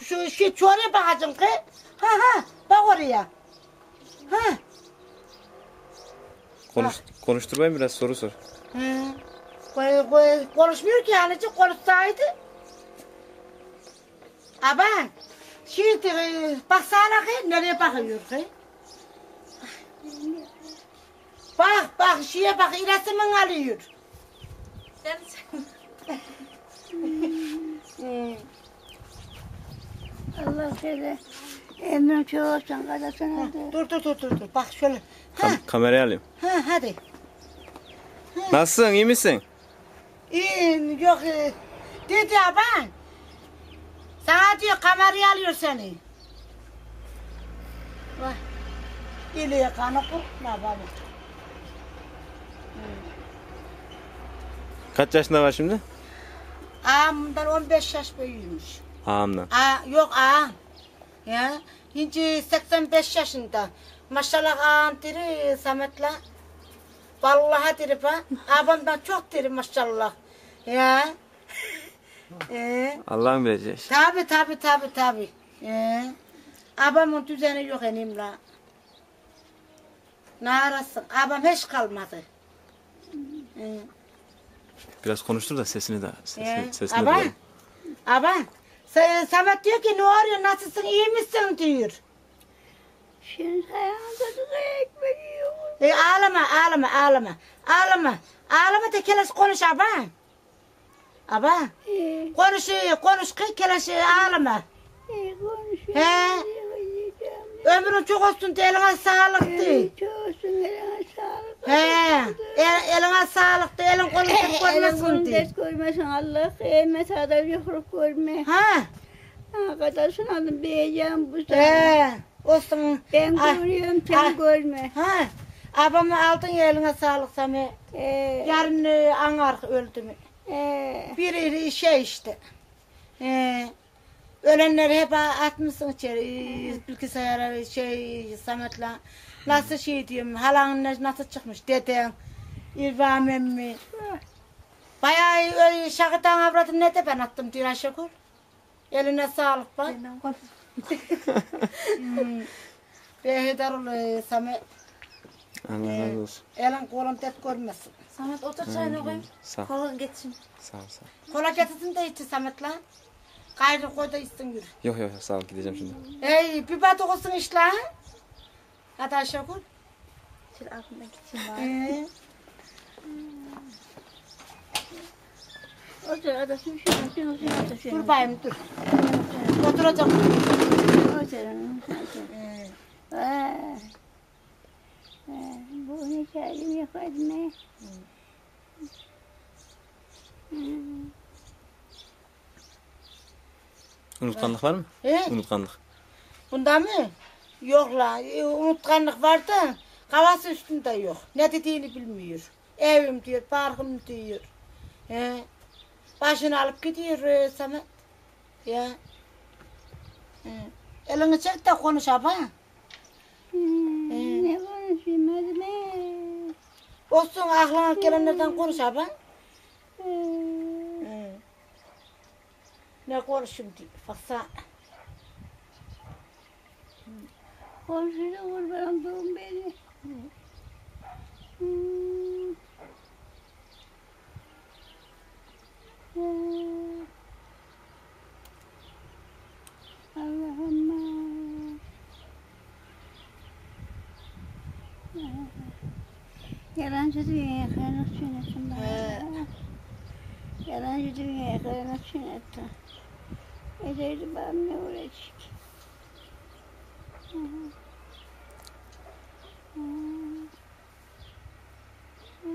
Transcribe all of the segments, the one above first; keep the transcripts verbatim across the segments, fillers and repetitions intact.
şu şey çoğuya bakacağım ki. Ha ha bak oraya. Ha. Konuş, konuşturmayın biraz soru sor. Hı. Koy, koy, konuşmuyor ki yani konuşsaydı. Aban. Şimdi baksana ki nereye bakıyor ki? Bak bak şeye bak iletimin alıyor. Sen Allah seni emrin çok olsun kadasın. Dur dur dur dur dur bak şöyle. Ha Kam kamerayı alayım. ha hadi. Nasılsın, iyi misin? İyi yok e, dedi aban. Sana diyor kamerayı alıyor seni. Vay. İliye kanı kurtma baba. Kaç yaşında var şimdi? Ağamdan on beş yaş büyüğümüş. Ağamdan. Aa, yok ağam. Ya, şimdi seksen beş yaşında. Maşallah ağam diri Samet'le. Vallahi diri ha. Ağamdan çok diri maşallah. Ya. Ee, Allah'ın bileceği iş. tabi tabi tabi tabi. Ee, abamın düzeni yok enimle. Ne arasın? Abam hiç kalmadı. Ee, Biraz konuştur da sesini de sesini, ee, sesini aban, duyalım. aban. Sa- Samet diyor ki ne oluyor, nasılsın, iyi misin diyor. Şimdi ayağında da ekmek yiyor. E, ağlama, ağlama, ağlama. Ağlama. Ağlama da keleş konuş aban. Aban. İyi, Konuş, konuş ki keleş ağlama. iyi konuşuyor. He. Ömrün çok olsun de eline sağlık de. Çok olsun eline sağlık. He. El, eline sağlık de elin kolun tek Elin koymasın kolun de. dert koymasın Allah. Kıyamet adam yokluk görme. Ha. Ha kadasın alın beyeceğim bu sefer. He. Olsun. Ben Ah, görüyorum ah. sen görme. Ha. Abamı aldın ya eline sağlık Sami. Ee, Yarın e, anar öldü mü? ee, Bir şey işte. Ee, ölenleri hep atmışsın içeri. e, Bilgisayara şey Samet'le. Nasıl şey diyorum. Halanın ne- nasıl çıkmış deden. İrfan emmi. Bayağı öyle şakıdan avradım ne de ben attım diyor Ayşegül. Eline sağlık bak. hmm. Behedar ol Samet. Allah razı olsun. Elin kolun tek görmesin. Samet otur çayını koyayım. Sağ ol. Kolun geçsin. Sağ ol, sağ ol. Kola getirsin de içi Samet lan. Gayrı koy da içsin yürü. Yok yok sağ ol, gideceğim şimdi. Hey bir bat olsun işte lan. Hadi Ayşegül. Şöyle altına geçeyim bari. Ee, otur adasın şunu şunu şunu otur şunu. dur bayım dur. Oturacağım. Otur otur. Ee, Vay. Vay, bu ne kelime yapardım ne? Unutkanlık var mı? he? Unutkanlık. Bunda mı? Yok la. e, Unutkanlık var da kafası üstünde yok. Ne dediğini bilmiyor. Evim diyor, parkım diyor. He. Başını alıp gidiyor e, Samet. Ya. He. Elini çek de konuş abi. Hmm, ne konuşayım hadi ne? Olsun aklına gelenlerden konuş abi. Ee, He. Ne konuşayım diyor. Baksana. Komşuyla kurban doğum beni. Hmm. Ee, Allah'ım. Yalancı dünyaya kıymet sünnetim He. bana. Yalancı dünyaya kıymet sünnetim. Ederdi bana ne uğraşık. Hı hı. Hı. Hı.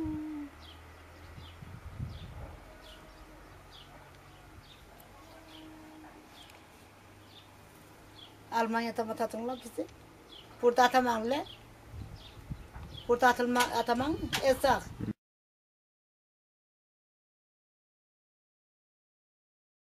Almanya'da mı atılma bizi? Burada atamanla. Burada atılma ataman mı? Esak.